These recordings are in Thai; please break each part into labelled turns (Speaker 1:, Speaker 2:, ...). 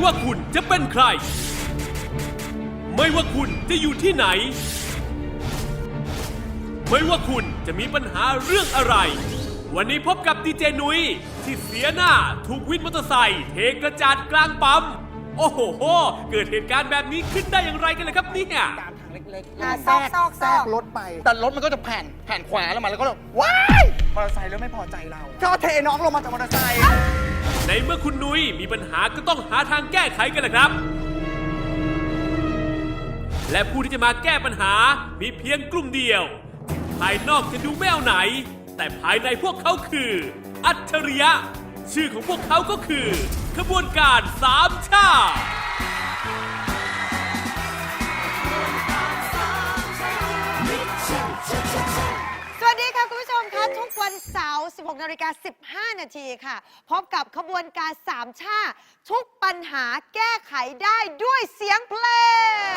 Speaker 1: ว่าคุณจะเป็นใครไม่ว่าคุณจะอยู่ที่ไหนไม่ว่าคุณจะมีปัญหาเรื่องอะไรวันนี้พบกับดีเจนุ้ยที่เสียหน้าถูกวินมอเตอร์ไซค์เทกระจาดกลางปั๊มโอ้โหเกิดเหตุการณ์แบบนี้ขึ้นได้อย่างไรกันเลยครับเนี่ย
Speaker 2: ตามทางเล็กๆ
Speaker 3: ซอก
Speaker 2: แทรกรถไปแต่รถมันก็จะแผ่นขวาแล้วมันแล้วก็ว้ายมอเตอร์ไซค์แล้วไม่พอใจเราก็เทน้องลงมาจากมอเตอร์ไซค์
Speaker 1: ในเมื่อคุณนุ้ยมีปัญหาก็ต้องหาทางแก้ไขกันแหละครับและผู้ที่จะมาแก้ปัญหามีเพียงกลุ่มเดียวภายนอกจะดูไม่เอาไหนแต่ภายในพวกเขาคืออัจฉริยะชื่อของพวกเขาก็คือขบวนการสามชา
Speaker 3: สวัสดีค่ะคุณผู้ชมคะทุกวันเสาร์ 16:15 นาทีค่ะพบกับขบวนการสามชาทุกปัญหาแก้ไขได้ด้วยเสียงเพลง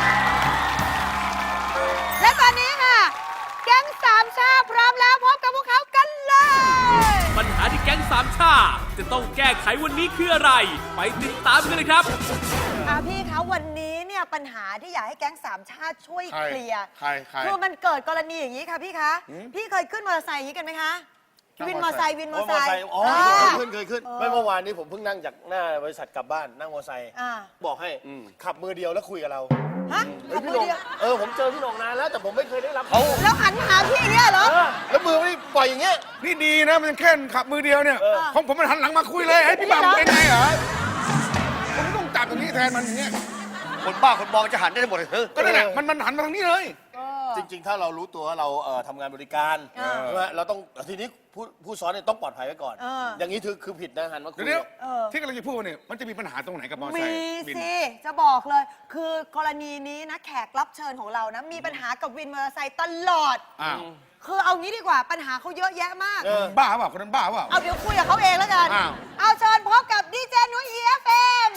Speaker 3: และตอนนี้ค่ะแก๊งสามชาพร้อมแล้วพบกับพวกเขากันเลย
Speaker 1: ปัญหาที่แก๊งสามชาจะต้องแก้ไขวันนี้คืออะไรไปติดตามกันเลยครับ
Speaker 3: พี่คะวันนี้เนี่ยปัญหาที่อยากให้แก๊งสามชาติช่วยเคลียร์คือมันเกิดกรณีอย่างนี้ค่ะพี่คะพี่เคยขึ้นมอเตอร์ไซค์อย่างนี้กันไหมคะวินมอเตอร์ไซค์
Speaker 4: อ๋อเคยขึ้นไม่เมื่อวานนี้ผมเพิ่งนั่งจากหน้าบริษัทกลับบ้านนั่งมอเตอร์ไซค์บอกให้ขับมือเดียวแล้วคุยกับเรา
Speaker 3: ฮะขับมือเดียว
Speaker 4: ผมเจอพี่หน่องนานแล้วแต่ผมไม่เคยได้รับ
Speaker 3: เขาแล้วหันหาพี่เนี่ยเหรอ
Speaker 4: แล้วมือไม่ปล่อยอย่างเงี้ย
Speaker 5: นี่ดีนะมันแค่ขับมือเดียวเนี่ยของผมมันหันหลังมาคุยเลยให้พี่บังเป็นไงเหรอผมต้องจับตรงนี้แทนมันอย่างเงี้ย
Speaker 4: คนบ้าคนบองจะหันได้หมดเลย
Speaker 5: ก็นั่นแหละมันหันมาทางนี้เลย
Speaker 4: จริงๆถ้าเรารู้ตัวว่าเราทำงานบริการใช่ไหมเราต้องทีนี้ผู้ซ้อนเนี่ยต้องปลอดภัยไว้ก่อนอย่างนี้คือผิดนะหันมาคุย
Speaker 5: ที่กำลังจะพูดเนี่ยมันจะมีปัญหาตรงไหนกับมอเตอร์ไซค์
Speaker 3: มีสิจะบอกเลยคือกรณีนี้นะแขกรับเชิญของเรานะมีปัญหากับวินมอเตอร์ไซค์ตลอดคือเอางี้ดีกว่าปัญหาเขาเยอะแยะมาก
Speaker 5: บ้าเปล่าคนนั้นบ้าเปล่า
Speaker 3: เอาเดี๋ยวคุยกับเขาเองแล้วกันเอาเชิญพบกับดีเจนุ้ย EFM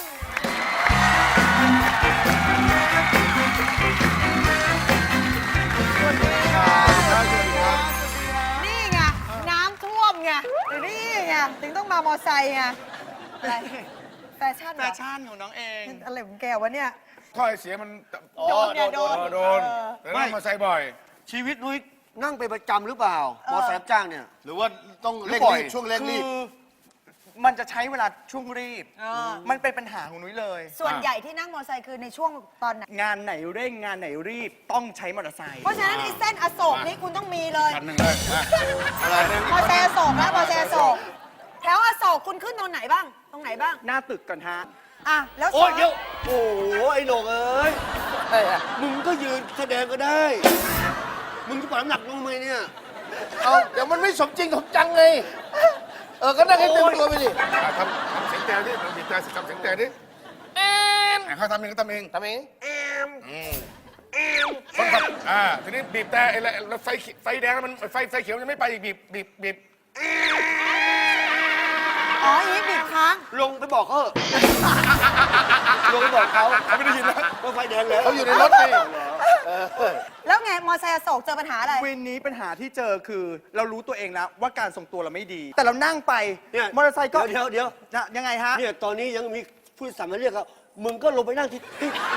Speaker 3: นี่ไงน้ำท่วมไงนี่ไงถึงต้องมามอไซค์ไงอะไรแฟชั่น
Speaker 2: ของน้องเอง
Speaker 3: อะไรของแกวะเนี่ย
Speaker 5: ท่อไอเสียมัน
Speaker 3: โดน
Speaker 5: แล้วมอไซค์บ่อย
Speaker 4: ชีวิตนุ้ยนั่งไปประจำหรือเปล่ามอไซค์รับจ้างเนี่ยหรือว่าต้องเร่งรีบช่วงเร่งรีบ
Speaker 2: มันจะใช้เวลาช่วงรีบมันเป็นปัญหาของนุ้ยเลย
Speaker 3: ส่วนใหญ่ที่นั่งมอเตอร์ไซค์คือในช่วงตอนไหน
Speaker 2: งานไหนเร่งงานไหนรีบต้องใช้มอเตอร์ไซค์
Speaker 3: เพราะฉะนั้นในเส้นอโศกนี่คุณต้องมีเลย
Speaker 5: คันหนึ่งเลย
Speaker 3: มอเตอร์ไซค์อโศกแล้วมอเตอร์ไซค์อโศกแถวอโศกคุณขึ้นตรงไหนบ้าง
Speaker 2: หน้าตึกก่อนฮะ
Speaker 3: แล้ว
Speaker 4: โอ้ยเดี๋ยวโอ้ไอ้หนกเอ้ยมึงก็ยืนแสดงก็ได้มึงจะปล่อยน้ำหนักลงทำไมเนี่ยเดี๋ยวมันไม่สมจริงสมจังไงก็นั่งให้เต็มตัวไปดิ
Speaker 5: ทำเสียงแต่ดิทำเสียงแต่ดิเขาทำเองคนขับทีนี้บีบแต่แล้วไฟแดงแล้วมันไฟเขียวยังไม่ไปอีกบีบ
Speaker 3: อีบีบค้าง
Speaker 4: ลงไปบอกเขาลงไปบอกเขา
Speaker 5: ไม่ได้ยินแล้ว
Speaker 4: ว่าไฟแดงแล้วเขาอยู่ในรถไง
Speaker 3: แล้วไงมอเตอร์ไซค์อโศกเจอปัญหาอะไร
Speaker 2: วินนี้ปัญหาที่เจอคือเรารู้ตัวเองแล้วว่าการทรงตัวเราไม่ดีแต่เรานั่งไปมอเตอร์ไซค์ก็
Speaker 4: เดี๋ยว
Speaker 2: ยังไงฮะ
Speaker 4: เนี่ยตอนนี้ยังมีผู้โดยสารมาเรียกเขามึงก็ลงไปนั่งที่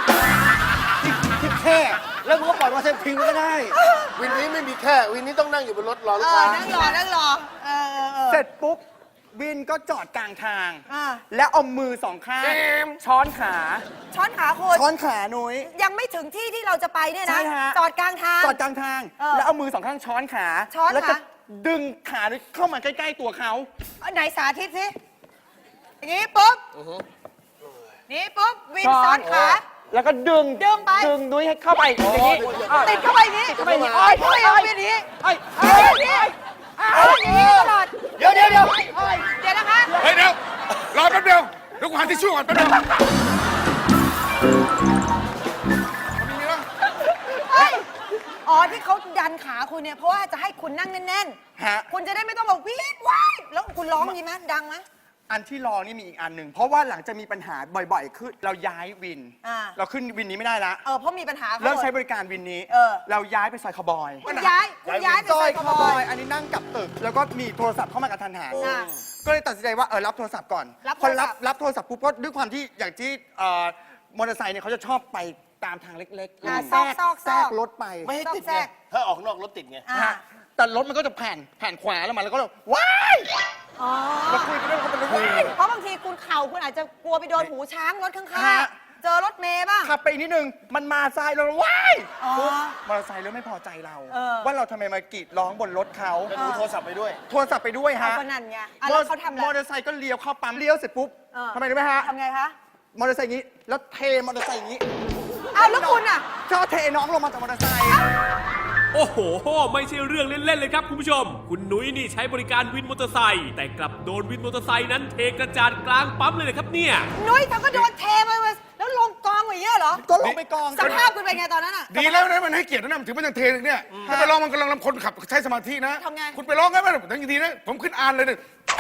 Speaker 4: แค่แล้วมึงก็ปล่อยมอเตอร์ไซค์ทิ้งก็ได้วินนี้ไม่มีแค่วินนี้ต้องนั่งอยู่บนรถรอลูกค้า
Speaker 3: นั่งรอ
Speaker 2: เสร็จปุ๊บวินก็จอดกลางทางแล้วเอามือสองข้างช้อนขา
Speaker 3: คุณ
Speaker 2: ช้อนขานุ้ย
Speaker 3: ยังไม่ถึงที่ที่เราจะไปเนี่ยนะจอดกลางทาง
Speaker 2: แล้วเอามือสองข้างช้อนขาแล้วก็ดึงขาเข้ามาใกล้ๆตัวเขา
Speaker 3: ไหนสาธิตสิอย่างนี้ปุ๊บนี่ปุ๊บวินซ้อนขา
Speaker 2: แล้วก็ดึง
Speaker 3: ไป
Speaker 2: ดึงนุ้ยให้เข้าไปอย่างนี้
Speaker 3: ติดเข้าไปอย่างนี้อย่างนี้ตลอด
Speaker 4: เดี๋ยว
Speaker 3: นะคะ
Speaker 5: เฮ้ยเดี๋ยวรอแป๊บเดียวเดี๋ยวกูหาทิชชู่ก่อนแป๊บเดียว
Speaker 3: ที่เขาดันขาคุณเนี่ยเพราะว่าจะให้คุณนั่งแน่นๆคุณจะได้ไม่ต้องแบบวีดว้ายแล้วคุณร้องดีไหมดังไหม
Speaker 2: อันที่รอนี่มีอีกอันหนึ่งเพราะว่าหลังจะมีปัญหาบ่อยๆขึ้นเราย้ายวิน เราขึ้นวินนี้ไม่ได้ละ
Speaker 3: เพราะมีปัญหา
Speaker 2: เริ่มใช้บริการวินนี้ เราย้ายไปซอยคาวบอย
Speaker 3: คุณย้ายไป
Speaker 2: ซอย
Speaker 3: ข
Speaker 2: คาว
Speaker 3: โม
Speaker 2: บอย ยอันนี้นั่งกลับตึก แล้วก็มีโทรศัพท์เข้ามากระทันหัน ก็เลยตัดสินใจว่ารับโทรศัพท์ก่อน พอรับโทรศัพท์ปุ๊บก็ด้วยความที่อย่างที่มอเตอร์ไซค์เนี่ยเขาจะชอบไปตามทางเล็กๆแทรกรถไป
Speaker 4: ไม่ให้ติดไงถ้าออกนอกรถติดไง
Speaker 2: แต่รถมันก็จะแผ่นขวาแล้วมันแล้วก็ว้ายแล้วคุยกันเรื่องเขาเป็นว้าย
Speaker 3: เพราะบางทีคุณเข่าคุณอาจจะกลัวไปโดนหูช้างรถข้างๆ เจอรถเมย์บ้าง
Speaker 2: ขับไปอีกนิดนึงมันมาซ้ายเราว้ายปุ๊บมอเตอร์ไซค์เริ่มไม่พอใจเรา ว่าเราทำไมมากรีดร้องบนรถเขา
Speaker 4: แล้วดูโทรศัพท์ไปด้วย
Speaker 2: โทรศัพท์ไปด้วยฮะ
Speaker 3: ก็นั่นไงแล้วเขาทำอะไร
Speaker 2: มอเตอร์ไซค์ก็เลี้ยวเข้าปั๊มเลี้ยวเสร็จปุ๊บทำไมรู้ไหมฮะ
Speaker 3: ทำไงคะ
Speaker 2: มอเตอร์ไซค์อย่างนี้แล้วเทมอเตอร์ไซค์อย่างนี้
Speaker 3: แล้วคุณอ่ะ
Speaker 2: ชอบเทน้องลงมาจากมอเตอร์ไซค์
Speaker 1: โอ้โห ไม่ใช่เรื่องเล่น ๆ เลยครับคุณผู้ชม คุณนุ้ยนี่ใช้บริการวินมอเตอร์ไซค์แต่กลับโดนวินมอเตอร์ไซค์นั้นเทกระจาดกลางปั๊มเลยนะครับเนี่ย
Speaker 3: นุ้ยเธอก็โดนเทมาแล้วลงกองอย่างเงี้ยเหรอ
Speaker 2: ก็ลงไปกอง
Speaker 3: สภาพคุณเป็นไงตอนนั้นอ่ะ
Speaker 5: ดีแล้วนะมันให้เกียรตินะมันถือมันยังเทเนี่ยถ้าไปร้องมันกำลังคนขับใช้สมาธินะ
Speaker 3: ทำไง
Speaker 5: คุณไปร้องกันไหมทั้งทีนะผมขึ้นอ่านเลยเนี่ยไป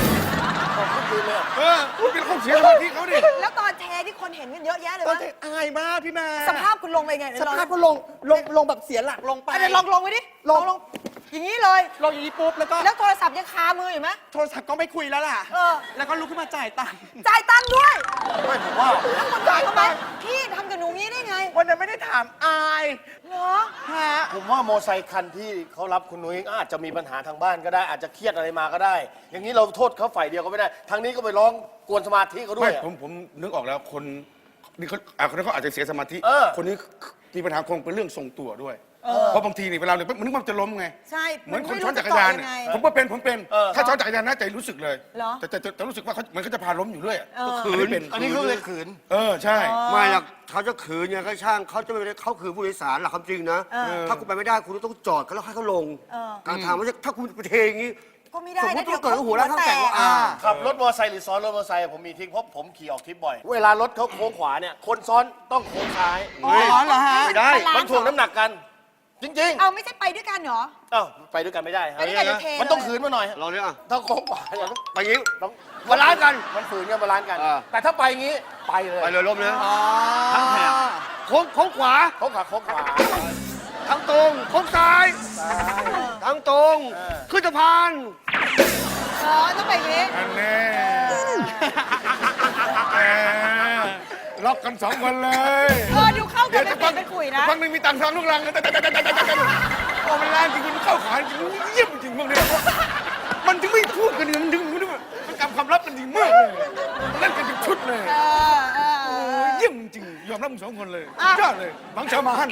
Speaker 5: คุณเป็นคนเสียสมาธิเขาดิ
Speaker 3: แล้วตอนเทที่คนเห็นกันเยอะแยะเลย
Speaker 2: ก็
Speaker 3: วะ
Speaker 2: เทอายมากพี่แม่
Speaker 3: สภาพคุณลงไปไง
Speaker 2: สภาพก็ลงแบบเสียหลักลงไป
Speaker 3: เดี๋ยวลงไปดิ
Speaker 2: ลง
Speaker 3: อย่างนี้เลย
Speaker 2: ลงอย่างนี้ปุ๊บแล้วก็
Speaker 3: แล้วโทรศัพท์ยังคามืออยู่ไหม
Speaker 2: โทรศัพท์ก็ไม่คุยแล้วล่ะ แล้วก็ลุกขึ้นมาจ่ายตังค์
Speaker 3: จ่ายตังค์ด้วย
Speaker 4: ไม่ผมว่า
Speaker 3: แล้วคุณจ่ายทำไมพี่ทำกับหนูงี้ได้ไง
Speaker 2: วันนั้นไม่ได้ถามอาย
Speaker 3: เหรอ
Speaker 2: ฮะ
Speaker 4: ผมว่าโมอไซค์คันที่เขารับคุณนุ้ยอาจจะมีปัญหาทางบ้านก็ได้ อาจจะเครียดอะไรมาก็ได้ อย่างนี้เราโทษเขาฝ่ายเดียวก็ไม่ได้ ทางนี้ก็ไปร้องกวนสมาธิเขาด้ว
Speaker 5: ไม่
Speaker 4: ยอะ
Speaker 5: ผมนึกออกแล้วคนนี่คนนี้เขาอาจจะเสียสมาธิ คนนี้มีปัญหาคงเป็นเรื่องทรงตัวด้วย เพราะบางทีนี่เวลาเนี่ยมันนึกว่าจะล้มไง
Speaker 3: ใช่
Speaker 5: เหมือนคนซ้อนจักรยานเนี่ยผมก็เป็นถ้าซ้อนจักรยานน่าจะรู้สึกเลย
Speaker 3: เหรอ
Speaker 5: แต่รู้สึกว่าเหมือนเขาจะพาล้มอยู่เรื่อย
Speaker 4: ขืน
Speaker 5: เป็น
Speaker 4: อันนี้เขาเลยขืน
Speaker 5: ใช่
Speaker 6: ไม่หรอกเขาจะขืนเนี่ยก็ช่างเขาจะไม่ได้เขาขืนผู้โดยสารหลักความจริงนะ ถ้าคุณไปไม่ได้คุณต้องจอดเขาแล้วให้เขาลงกลางทางไม่ใช่ถ้าคุณไปเทอย่างนี้
Speaker 3: ก็ไม่ได้
Speaker 6: สมม
Speaker 3: นะ
Speaker 6: ติว่าเกิดหัวแล้วข้างแตกว่า
Speaker 4: ขับรถมอเตอร์ไซค์หรือซ้อนรถมอเตอร์ไซค์ผมมีทริคเพราะผมขี่ออกทริปบ่อย เวลารถเขาโค้งขวาเนี่ย คนซ้อนต้องโค้งซ้าย
Speaker 2: อ๋อเหรอฮะ
Speaker 4: ไม่ได้ มันถ่วงน้ำหนักกัน จริง
Speaker 3: เอาไม่ใช่ไปด้วยกันเหรอ
Speaker 4: ๆ เอ้าไปด้วยกันไม่ได้ครับ
Speaker 3: ไปด้วยกันเดี๋ยวเท
Speaker 4: มันต้องขืนมาหน่อย
Speaker 6: เราเนี่ย
Speaker 4: ถ้าโค้งขวาอย่างนั้น
Speaker 6: ไปยิง
Speaker 4: ต้อง
Speaker 6: บาลานซ์กัน
Speaker 4: มันฝืนกันบาลานซ์กัน แต่ถ้าไปอย่างนี้ไปเลย
Speaker 6: ไปเลยล้มนะ
Speaker 2: ทั้งแถบ
Speaker 6: โค้งขวา
Speaker 4: โค้งขวาโค้งขวา
Speaker 6: ทั้งตรงโค้งซ้ายทั้งตรงขึ้นสะพาน
Speaker 3: ต้องไปอย่างนี้
Speaker 5: อันแน่แหมล็อกกัน2 คนเลย
Speaker 3: ดูเข้ากันเป็นปีเป็นขุยนะ
Speaker 5: ฟังหนึ่งมีตังค์ทางลูกลังโอ้มันแรงจริงมันเข้าขาจริงเยี่ยมจริงพวกนี้มันถึงไม่พูดกันมันถึงมันกำความลับกันดีมากเลยเล่นกันเป็นชุดเลยเยี่ยมจริงยอมรับมึง2 คนเลยยอดเลยบังชามาฮั่น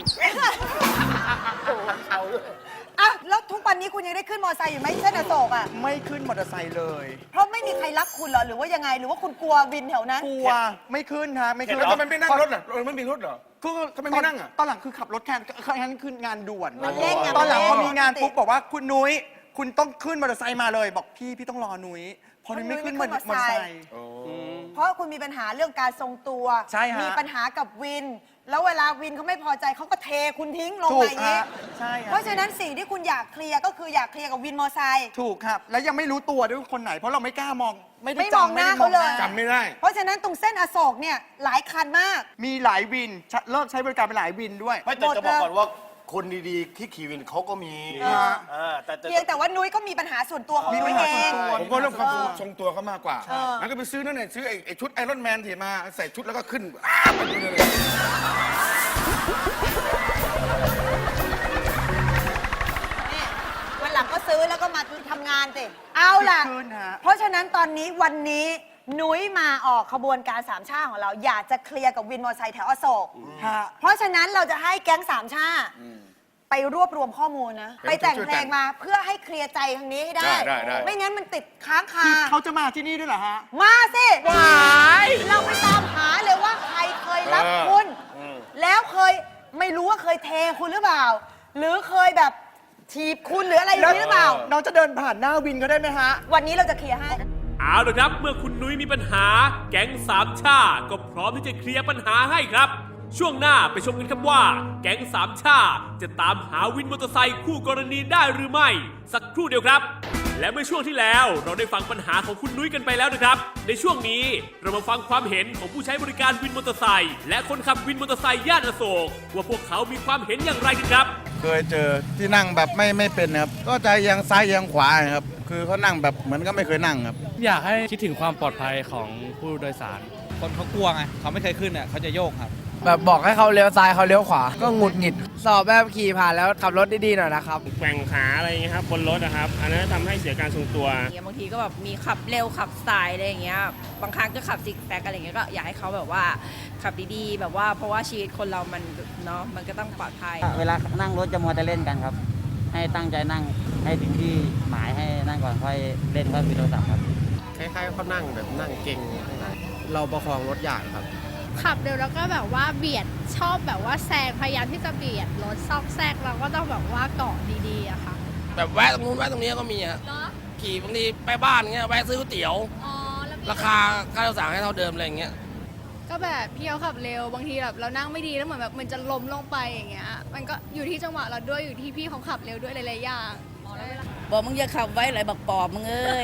Speaker 3: แล้วทุกวันนี้คุณยังได้ขึ้นมอเตอร์ไซค์อยู่ไหมเส้นอโศกอ่ะ
Speaker 2: ไม่ขึ้นมอเตอร์ไซค์เลย
Speaker 3: เพราะไม่มีใครรักคุณเหรอ หรือว่ายังไง หรือว่าคุณกลัววินแถวนั้น
Speaker 2: กลัวไม่ขึ้นฮะไม่ขึ้น
Speaker 5: แล้วทำไมไม่นั่งรถล่ะมันมีรถเหรอ
Speaker 2: คือ
Speaker 5: ทำไมไม่นั่งอ่ะ
Speaker 2: ตอนหลังคือขับรถแข่งคืองานด่วน
Speaker 3: มันเร่งไง
Speaker 2: ตอนหลังพอมีงาน
Speaker 3: มันเร่ง
Speaker 2: ปุ๊บบอกว่าคุณนุ้ยคุณต้องขึ้นมอเตอร์ไซค์มาเลย บอกพี่ต้องรอนุ้ยพอนุ้ยไม่ขึ้นมอเตอร์ไซค์
Speaker 3: เพราะคุณมีปัญหาเรื่องการทรงตัว
Speaker 2: ใช่ฮะ
Speaker 3: มีปัญหากับวิน แล้วเวลาวินเขาไม่พอใจเขาก็เทคุณทิ้งลง
Speaker 2: ถู
Speaker 3: ไป
Speaker 2: ก
Speaker 3: อย่างนี้
Speaker 2: ฮะใช่ฮะ
Speaker 3: เพราะฉะนั้นสิ่งที่คุณอยากเคลียร์ก็คืออยากเคลียร์กับวินมอเตอร์ไซค์
Speaker 2: ถูกครับ แล้วยังไม่รู้ตัวด้วยว่าคนไหน เพราะเราไม่กล้ามอง ไม่ได้
Speaker 3: ไม่มอง
Speaker 2: จำ
Speaker 3: หน้า
Speaker 2: ไม่ได้
Speaker 3: เขาเลย
Speaker 5: จำไม่ได้
Speaker 3: เพราะฉะนั้นตรงเส้นอโศกเนี่ยหลายคันมาก
Speaker 2: มีหลายวินเลิกใช้บริการไปหลายวินด้วย
Speaker 4: ไม่แต่จะบอกก่อนว่าคนดีๆที่ขี่วินเขาก็มีแต่
Speaker 3: เพียงแต่ว่านุ้ยก็มีปัญหาส่วนตัวของนุ้ยเอง
Speaker 5: ผมก็เรื่องความทรงตัวเขามากกว่างั้นก็ไปซื้อนั่นเนี่ยซื้อไอ้ชุดไอรอนแมนที่มาใส่ชุดแล้วก็ขึ้นไปดูเลย
Speaker 3: นี่วันหลังก็ซื้อแล้วก็มาทำงานสิเอาล่ะ
Speaker 2: ขึ้นฮะ
Speaker 3: เพราะฉะนั้นตอนนี้วันนี้นุ้ยมาออกขบวนการสามชาของเรา อยากจะเคลียร์กับวินมอเตอร์ไซค์แถวอโศก
Speaker 2: ฮะ
Speaker 3: เพราะฉะนั้นเราจะให้แก๊งสามชาไปรวบรวมข้อมูลนะ ไปแต่งเพลงมาเพื่อให้เคลียร์ใจทางนี้ให้ได้ ไม่งั้นมันติดค้างคา
Speaker 2: คือเขาจะมาที่นี่ด้วยเหรอฮะ
Speaker 3: มาสิเราไปตามหาเลยว่าใครเคยรับคุณ แล้วเคยไม่รู้ว่าเคยเทคุณหรือเปล่า หรือเคยแบบถีบคุณหรืออะไรอย่างนี้หรือเปล่า
Speaker 2: น้องจะเดินผ่านหน้าวินก็ได้ไหมฮะ
Speaker 3: วันนี้เราจะเคลียร์ให้
Speaker 1: เอาละครับ เมื่อคุณนุ้ยมีปัญหา แก๊งสามชาก็พร้อมที่จะเคลียร์ปัญหาให้ครับ ช่วงหน้าไปชมกันครับว่า แก๊งสามชาจะตามหาวินมอเตอร์ไซค์คู่กรณีได้หรือไม่ สักครู่เดียวครับและเมื่อช่วงที่แล้วเราได้ฟังปัญหาของคุณนุ้ยกันไปแล้วนะครับ ในช่วงนี้เรามาฟังความเห็นของผู้ใช้บริการวินมอเตอร์ไซค์และคนขับวินมอเตอร์ไซค์ย่านอโศกว่าพวกเขามีความเห็นอย่างไรกันครับ
Speaker 7: เคยเจอที่นั่งแบบไม่เป็นครับ ก็จะเอียงซ้ายเอียงขวาครับ คือเขานั่งแบบเหมือนก็ไม่เคยนั่งครับ
Speaker 8: อยากให้คิดถึงความปลอดภัยของผู้โดยสาร คนเขากลัวไงเขาไม่เคยขึ้นเนี่ยเขาจะโยกครับ
Speaker 9: แบบบอกให้เขาเลี้ยวซ้ายเขาเลี้ยวขวา ก็หงุดหงิด สอบแบบขี่ผ่านแล้วขับรถดีๆหน่อยนะครับ
Speaker 10: แกว่งขาอะไรอย่างเงี้ยครับบนรถนะครับ อันนั้นทำให้เสียการทรงตัว
Speaker 11: บางทีก็แบบมีขับเร็วขับสายอะไรอย่างเงี้ยบางครั้งก็ขับซิกแซกอะไรอย่างเงี้ยก็อยากให้เขาแบบว่าขับดีๆแบบว่าเพราะว่าชีวิตคนเรามันเนาะมันก็ต้องปลอดภัย
Speaker 12: เวลานั่งรถจะมัวแต่เล่นกันครับ ให้ตั้งใจนั่งให้ถึงที่หมายให้นั่งก่อนค่อยเล่นค่อยคุยโทรศัพท์ครับ
Speaker 9: คล้ายๆเขานั่งแบบนั่งเก่งเราประคองรถยากครับ
Speaker 11: ขับเร็วแล้วก็แบบว่าเบียดชอบแบบว่าแซงพยายามที่จะเบียดรถซอกแซกเราก็ต้องแบบว่าเกาะดีๆอะค่ะ
Speaker 9: แบบแวะตรงนู้นแวะตรงนี้ก็มีอะขี่บางทีไปบ้านเงี้ยแวะซื้อก๋วยเตี๋ยว ราคาค่าโดยสารให้เท่าเดิมอะไรเงี้ย
Speaker 11: ก็แบบพี่เขาขับเร็วบางทีแบบเรานั่งไม่ดีแล้วเหมือนแบบมันจะล้มลงไปอย่างเงี้ยมันก็อยู่ที่จังหวะเราด้วยอยู่ที่พี่เขาขับเร็วด้วยหลายๆอย่าง
Speaker 12: บอกมึงอย่าขับไว้ไหลบักปอบมึงเอ้ย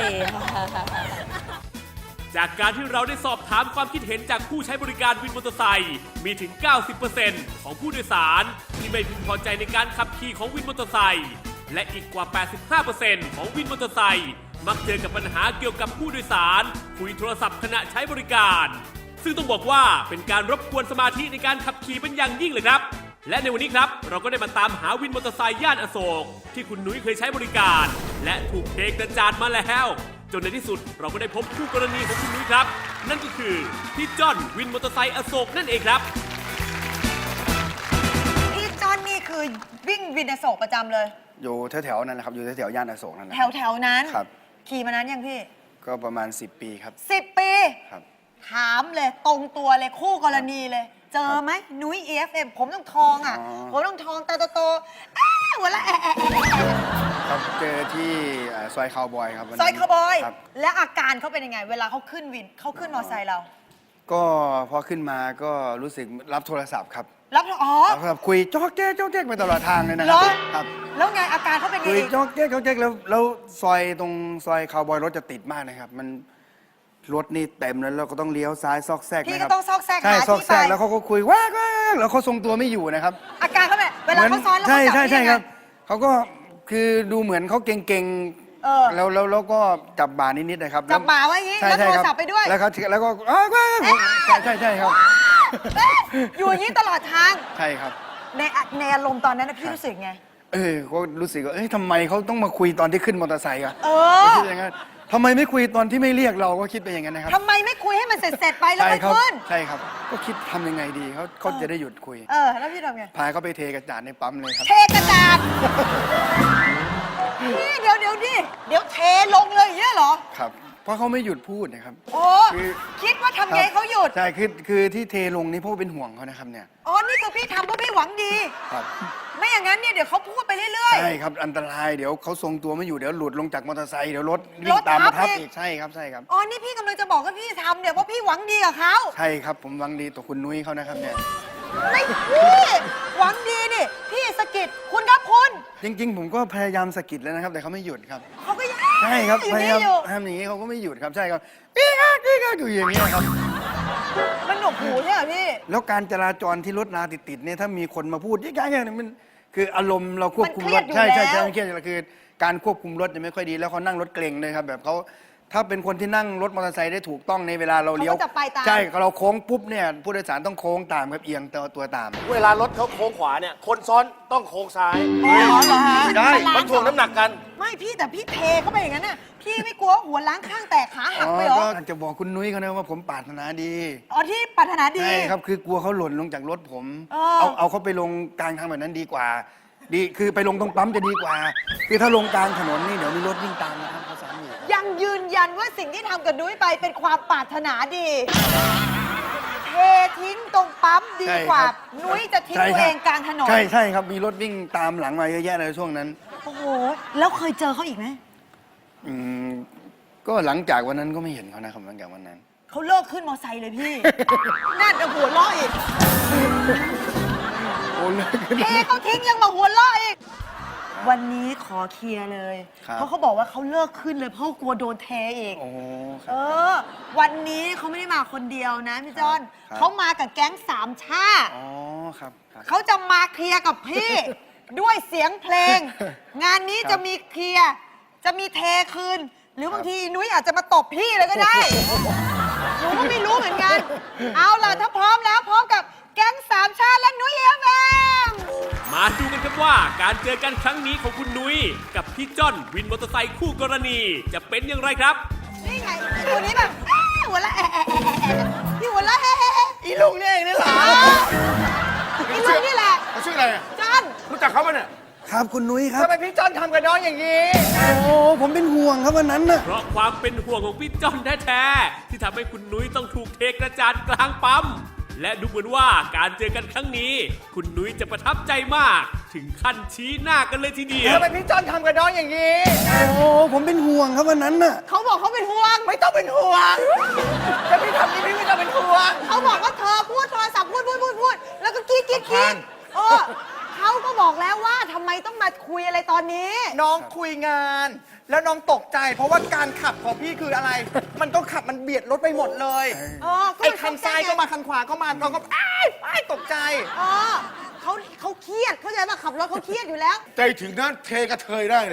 Speaker 1: จากการที่เราได้สอบถามความคิดเห็นจากผู้ใช้บริการวินมอเตอร์ไซค์มีถึง 90% ของผู้โดยสารที่ไม่พึงพอใจในการขับขี่ของวินมอเตอร์ไซค์และอีกกว่า 85% ของวินมอเตอร์ไซค์มักเจอกับปัญหาเกี่ยวกับผู้โดยสารคุยโทรศัพท์ขณะใช้บริการ ซึ่งต้องบอกว่าเป็นการรบกวนสมาธิในการขับขี่เป็นอย่างยิ่งเลยครับ และในวันนี้ครับเราก็ได้มาตามหาวินมอเตอร์ไซค์ย่านอโศกที่คุณนุ้ยเคยใช้บริการ และถูกเทกระจาดมาแล้วจนในที่สุดเราก็ได้พบคู่กรณีของคุณนุ้ยครับ นั่นก็คือพี่จ้อนวินมอเตอร์ไซค์อโศกนั่นเองครับ
Speaker 3: พี่จอนนี่คือวิ่งวินอโศกประจำเลย
Speaker 5: อยู่แถวๆนั้นนะครับ อยู่แถวๆย่านอโศกนั่นแหละ
Speaker 3: แถวๆนั้น
Speaker 5: ครับ
Speaker 3: ขี่มานานยังพี่
Speaker 5: ก็ประมาณ 10 ปีครับ
Speaker 3: 10 ปี
Speaker 5: ครับ
Speaker 3: ถามเลยตรงตัวเลยคู่กรณีเลย เจอไหมนุ้ย EFM ผมต้องทองอ่ะ
Speaker 5: อ๋อ
Speaker 3: ผมต้องทองตาโตๆหัวละแอะ
Speaker 5: ครับเจอที่ซอยคาวบอยครับวัน
Speaker 3: ซ
Speaker 5: นั้น
Speaker 3: อยคาวบอย
Speaker 5: ครับ
Speaker 3: และอาการเขาเป็นยังไง เวลาเขาขึ้นวินเขาขึ้นมอเตอร์ไซค์เรา
Speaker 5: ก็พอขึ้นมาก็รู้สึกรับโทรศัพท์ครับ
Speaker 3: รับอ๋อ
Speaker 5: รับโทรศัพท์คุยจ๊อกแจ๊กจ๊อกแจ๊กไปตลอดทางเลยนะค
Speaker 3: เหร
Speaker 5: รั
Speaker 3: อ
Speaker 5: ครับ
Speaker 3: แล้วไงอาการเขาเป็นไง
Speaker 5: คุย
Speaker 3: อีก
Speaker 5: จ๊อกแจ๊กจ๊อกแจ๊กแล้วซอยตรงซอยคาวบอยรถจะติดมากนะครับ มันรถนี่เต็มแล้วเราก็ต้องเลี้ยวซ้ายซอกแซก
Speaker 3: พี่
Speaker 5: นะค
Speaker 3: ก็
Speaker 5: รับ
Speaker 3: ต้องซอกแซก
Speaker 5: ใช่
Speaker 3: หา
Speaker 5: ซอก
Speaker 3: ที่
Speaker 5: แซ
Speaker 3: ไป
Speaker 5: กแล้วเขาก็คุยว้ากแล้วเขาทรงตัวไม่อยู่นะครับ
Speaker 3: อาการเขาแบบเวลาเขาซ้อนแล้ว
Speaker 5: ใช่
Speaker 3: เขาจับ
Speaker 5: ใช่
Speaker 3: นี่ไง
Speaker 5: ครับเขาก็คือดูเหมือนเขาเก่ง
Speaker 3: เออ
Speaker 5: แล้วก็จับบ่านิดๆนะครับ
Speaker 3: จับบ่าไว้อย่างงี้
Speaker 5: ใช่
Speaker 3: แล้วโทร
Speaker 5: ใช่ค
Speaker 3: ศัพท์ไปด้วย
Speaker 5: แล้วก็ใช่ครับ
Speaker 3: อยู่อย่างนี้ตลอดทาง
Speaker 5: ใช่ครับ
Speaker 3: ในอารมณ์ตอนนั้นนะพี่รู้สึกไง
Speaker 5: ก็รู้สึกว่าทำไมเขาต้องมาคุยตอนที่ขึ้นมอเตอร์ไซค์อะ
Speaker 3: เออ
Speaker 5: ก็คิดอย่างนั้นทำไมไม่คุยตอนที่ไม่เรียกเราก็คิดไปอย่างนั้นนะครับ
Speaker 3: ทำไมไม่คุยให้มันเสร็จๆไปแล้ว
Speaker 5: ใช่
Speaker 3: มัน
Speaker 5: ครับ
Speaker 3: ขึ้น
Speaker 5: ใช่ครับ ก็คิดทำยังไงดีเขาจะได้หยุดคุย
Speaker 3: แล้วพี่ทำไง
Speaker 5: พาเขาไปเทกระจาดในปั๊มเลยครับ
Speaker 3: เทกระจาดพี่เดี๋ยวดิเดี๋ยวเทลงเลยอย่างเงี้ยเหรอ
Speaker 5: ครับ เพราะเขาไม่หยุดพูดนะครับ
Speaker 3: โอ้
Speaker 5: คือ
Speaker 3: คิดว่าทำไงเขาหยุด
Speaker 5: ใช่คือที่เทลงนี่เพราะว่าเป็นห่วงเขานะครับเนี่ย
Speaker 3: อ๋อ นี่คือพี่ทำเพราะพี่หวังดี
Speaker 5: ครับ
Speaker 3: ไม่อย่างนั้นเนี่ยเดี๋ยวเขาพูดไปเรื่อย
Speaker 5: ใช่ครับอันตรายเดี๋ยวเขาทรงตัวไม่อยู่เดี๋ยวหลุดลงจากมอเตอร์ไซค์เดี๋ยวรถวิ่
Speaker 3: รง ถ
Speaker 5: ตามมา
Speaker 3: ทั
Speaker 5: ทั
Speaker 3: บบ อีก
Speaker 5: อีกใช่ครับใช่ครับ
Speaker 3: ๆ อ๋อ นี่พี่กำลังจะบอกว่าพี่ทำเนี่ยเพราะพี่หวังดีกับเขา
Speaker 5: ใช่ครับผมหวังดีต่อคุณนุ้ยเขานะครับเนี่ย
Speaker 3: ไม่พี่หวังดีดิพี่สะกิดคุณครับคุณ
Speaker 5: จริง ๆ ผมก็พยายามสะกิดแล้วนะครับ แต่เขาไม่หยุดครับ
Speaker 3: เขาก็ยัง
Speaker 5: ใช่ครับ
Speaker 3: อยู่
Speaker 5: พ
Speaker 3: นี่
Speaker 5: ยายาม
Speaker 3: อยู่
Speaker 5: ทำอย่างนี้เขาก็ไม่หยุดครับใช่ครับพี่ก็อยู่อย่างนี้ยครับ
Speaker 3: มันหนวกหูใช่ไหมพี่
Speaker 5: แล้วการจราจรที่รถราติดๆเนี่ยถ้ามีคนมาพูดยิ่งๆเนี่ยมันคืออารมณ์เราควบคุมรถ
Speaker 3: มันเครี
Speaker 5: ใช่
Speaker 3: ยดอยู่
Speaker 5: ใช่
Speaker 3: แล้ว
Speaker 5: ใช่เครียดอยู่แล้วคือการควบคุมรถเนี่ยไม่ค่อยดีแล้วเขานั่งรถเกรงเลยครับแบบเขาถ้าเป็นคนที่นั่งรถมอเตอร์ไซค์ได้ถูกต้องในเวลาเราเลี้ยว
Speaker 3: เขาก็จะไปตาม
Speaker 5: ใช่เราโค้งปุ๊บเนี่ยผู้โดยสารต้องโค้งตามครับเอียงตัวตาม
Speaker 4: เวลารถเขาโค้งขวาเนี่ย คนซ้อนต้องโค้งซ้าย
Speaker 3: อ๋อเหรอฮะ
Speaker 4: ได้ มันถ่วงน้ำหนักกัน
Speaker 3: ไม่พี่แต่พี่เทเข้าไปอย่างนั้นน่ะพี่ไม่กลัวหัวล้างข้างแตกขาหักไปเหรอ
Speaker 5: ก็จะบอกคุณนุ้ยเขานะว่าผมปรารถนาดี
Speaker 3: อ๋อที่ปรารถนาดี
Speaker 5: ใช่ครับคือกลัวเขาหล่นลงจากรถผม
Speaker 3: เออ
Speaker 5: เอาเขาไปลงกลางทางแบบนั้นดีกว่า ดีคือไปลงตรงปั๊มจะดีกว่า คือถ้าลงกลางถนนนี่เดี๋ยวมีรถวิ่งตามนะครับเขาสามอยู่
Speaker 3: ยังยืนยันว่าสิ่งที่ทำกับนุ้ยไปเป็นความปรารถนาดี เททิ้งตรงปั๊มดีกว่า นุ้ยจะทิ้งตัวเองกลางถนน
Speaker 5: ใช่ครับมีรถวิ่งตามหลังมาเยอะแยะเลยช่วงนั้น
Speaker 3: โอ้โห แล้วเคยเจอเขาอีกไหม
Speaker 5: อืมก็หลังจากวันนั้นก็ไม่เห็นเขานะครับหลังจากวันนั้น
Speaker 3: เขาเลิกขึ้นมอไซค์เลยพี่ น่าจะหัวเราะอีก
Speaker 5: โอ้เลย
Speaker 3: เทเขาทิ้งยังมาหัวเราะอีกวันนี้ขอเคลียร์เลย
Speaker 7: ครับ
Speaker 3: เพราะเขาบอกว่าเขาเลิกขึ้นเลยเพราะกลัวโดนเทอีก
Speaker 7: โอ้ค
Speaker 3: เอ
Speaker 7: รับ
Speaker 3: อ วันนี้เขาไม่ได้มาคนเดียวนะพี่จอน
Speaker 7: ครับ
Speaker 3: เขามากับแก๊งสามชาติ
Speaker 7: อ๋อครับครับ
Speaker 3: เขาจะมาเคลียร์กับพี่ ด้วยเสียงเพลง งานนี้
Speaker 7: ครับ
Speaker 3: จะมีเคลียร์จะมีเทคืน หรือบางทีนุ้ยอาจจะมาตบพี่เลยก็ได้ หนูก็ไม่รู้เหมือนกัน เอาล่ะถ้าพร้อมแล้วพร้อมกับแก๊งสามชาติและนุ้ยเอฟเอ็ม
Speaker 1: มาดูกันครับว่าการเจอกันครั้งนี้ของคุณนุ้ยกับพี่จ้อนวินมอเตอร์ไซค์คู่กรณีจะเป็นอย่างไรครับ
Speaker 3: นี่ไงตัวนี้แบบหัวละพี่หัวละ
Speaker 5: อีลุงเนี่ยเองนี่เหรอ
Speaker 3: อีลุงนี่แหละ
Speaker 5: เขาชื่ออะไรอะ
Speaker 3: จอน
Speaker 5: รู้จักเขาปะเนี่ย
Speaker 7: ครับคุณนุ้ยครับ
Speaker 2: ทำไมพี่จอนทำกับน้องอย่างนี้
Speaker 7: โอ้ผมเป็นห่วงครับวันนั้นน่ะ
Speaker 1: เพราะความเป็นห่วงของพี่จ้อนแท้ๆที่ทำให้คุณนุ้ยต้องถูกเทกระจาดกลางปั๊มและดูเหมือนว่าการเจอกันครั้งนี้ คุณนุ้ยจะประทับใจมาก ถึงขั้นชี้หน้ากันเลยทีเดียว
Speaker 2: ทำไมพี่จอนทำกับน้องอย่างนี้
Speaker 7: โอ้ผมเป็นห่วงครับวันนั้นน่ะ
Speaker 3: เขาบอกเขาเป็นห่วง
Speaker 2: ไม่ต้องเป็นห่วงจะพี่ทำนี้พี่ไม่ต้องเป็นห่วง
Speaker 3: เขาบอกว่าเธอพูดโทรศัพท์พูดแล้วก็กรีดเขาก็บอกแล้วว่าทำไมต้องมาคุยอะไรตอนนี้
Speaker 2: น้องคุยงาน แล้วน้องตกใจ เพราะว่าการขับของพี่คืออะไร มันก็ขับมันเบียดรถไปหมดเลย ไอ้คันซ้ายก็มาคันขวาก็มาน้องก็อ้ายตกใจ
Speaker 3: เขาเครียดเข้าใจป่ะขับรถเขาเครียดอยู่แล้ว
Speaker 5: ใจถึงนั้นเทกระเทยได้เลย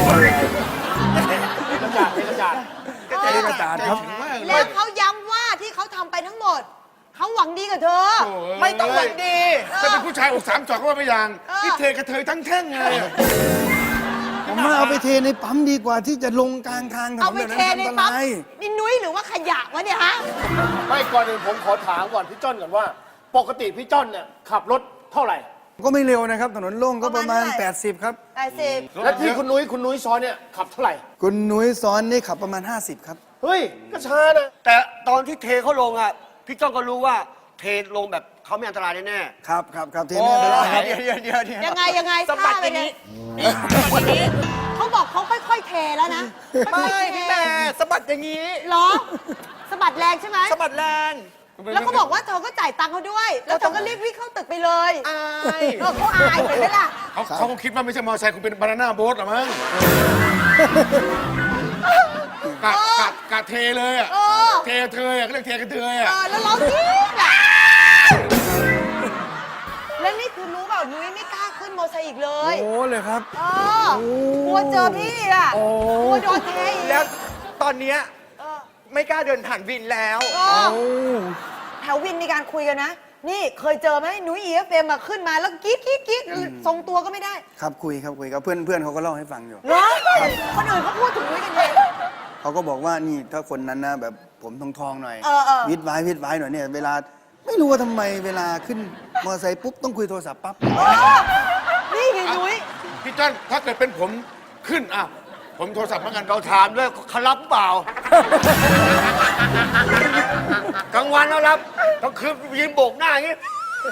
Speaker 2: กระจาดครับ
Speaker 3: แล้วเขาย้ำว่าที่เขาทำไปทั้งหมด เขาหวังดีกับเธอ
Speaker 2: ไม่ต้องหวังดี
Speaker 5: ถ้าเป็นผู้ชายอกสามจอกก็ว่าไม่อย่าง
Speaker 3: เออ
Speaker 5: นี่เทกระเทยทั้งแท่งเลย
Speaker 7: ผมว่าเอาไปเทในปั๊มดีกว่าที่จะลงกลางทางถน
Speaker 3: เอา
Speaker 7: น
Speaker 3: ไป
Speaker 7: แบบ
Speaker 3: เท
Speaker 7: นั้น
Speaker 3: ใน
Speaker 7: อันต
Speaker 3: ปั๊ม
Speaker 7: ราย
Speaker 3: นี่นุ้ยหรือว่าขยะวะเนี่ยฮะ
Speaker 4: ไม่ก่อนอื่นผมขอถามก่อนพี่จ้อนก่อนว่า ปกติพี่จ้อนเนี่ยขับรถเท่าไหร่
Speaker 7: ก็ไม่เร็วนะครับ ถนนโล่งก็ประมาณ
Speaker 3: ประมาณเท่าไหร่
Speaker 7: 80 ครับ
Speaker 3: 80
Speaker 4: และที่คุณนุ้ยซ้อนเนี่ยขับเท่าไหร่
Speaker 7: คุณนุ้ยซ้อนนี่ขับประมาณ 50 ครับ
Speaker 4: เฮ้ยก็ช้านะ
Speaker 6: แต่ตอนที่เทเขาลงอ่ะ พี่จ้องก็รู้ว่าเทลงแบบเขาไม่อันตรายแน่ๆ
Speaker 7: ครับเทไม่เป็นไรครับ
Speaker 2: เดี๋ยว
Speaker 3: ยังไง
Speaker 2: สะบัด
Speaker 3: ท่า
Speaker 2: อย่างนี้
Speaker 3: นี้เขาบอกเขาค่อยๆเทแล้วนะ
Speaker 2: ไม่
Speaker 3: ค่อยๆเท
Speaker 2: พี่แม่สะบัดอย่างนี้
Speaker 3: เหรอสะบัดแรงใช่ไหม
Speaker 2: สะบัดแรง
Speaker 3: แล้วเขาบอกว่าเธอก็จ่ายตังค์เขาด้วย แล้วเธอก็รีบวิ่งเข้าตึกไปเลย
Speaker 2: อาย
Speaker 3: เขาอายเห็นไหมล่ะ
Speaker 5: เขาคงคิดว่าไม่ใช่มอเตอร์ไซค์คงเป็นบานาน่าโบ๊ทหรอมั้งกะเทเลยอ่ะ
Speaker 3: เออ
Speaker 5: เทเทยอ่ะเขาเรียกเทกระเทยอ่ะ
Speaker 3: แล้วร้องกรี๊ดอ่ะแล้วนี่คือรู้เปล่านุ้ยไม่กล้าขึ้นมอเตอร์ไซค์อีกเลย
Speaker 7: โอ้เลยครับ
Speaker 3: กลัวเจอพี่อ่ะ
Speaker 7: โอ้
Speaker 3: กลัวโดนเทอีก
Speaker 2: แล้วตอนเนี้ยไม่กล้าเดินผ่านวินแล้ว
Speaker 3: เออแถววินมีการคุยกันนะ นี่เคยเจอไหมนุ้ยEFMมาขึ้นมาแล้วกรี๊ดทรงตัวก็ไม่ได้
Speaker 7: ครับคุยกับเพื่อนเขาก็เล่าให้ฟังอยู่
Speaker 3: เหรอคนอื่นเขาพูดถึงนุ้ยกันเอง
Speaker 7: เขาก็บอกว่านี่ถ้าคนนั้นนะแบบผมทองๆหน่อย
Speaker 3: เออ
Speaker 7: วิดไว้หน่อยเนี่ยเวลาไม่รู้ว่าทำไมเวลาขึ้นมอเตอร์ไซค์ปุ๊บต้องคุยโทรศัพท์ปั๊บ
Speaker 3: นี่ไงนุ้ย
Speaker 5: พี่จ้อนถ้าเกิดเป็นผมขึ้นอ่ะผมโทรศัพท์เหมือนกัน
Speaker 6: เราถามด้วยเขารับเปล่า กลางวันแล้วรับกลางคืนยืนโบกหน้าอย่างงี้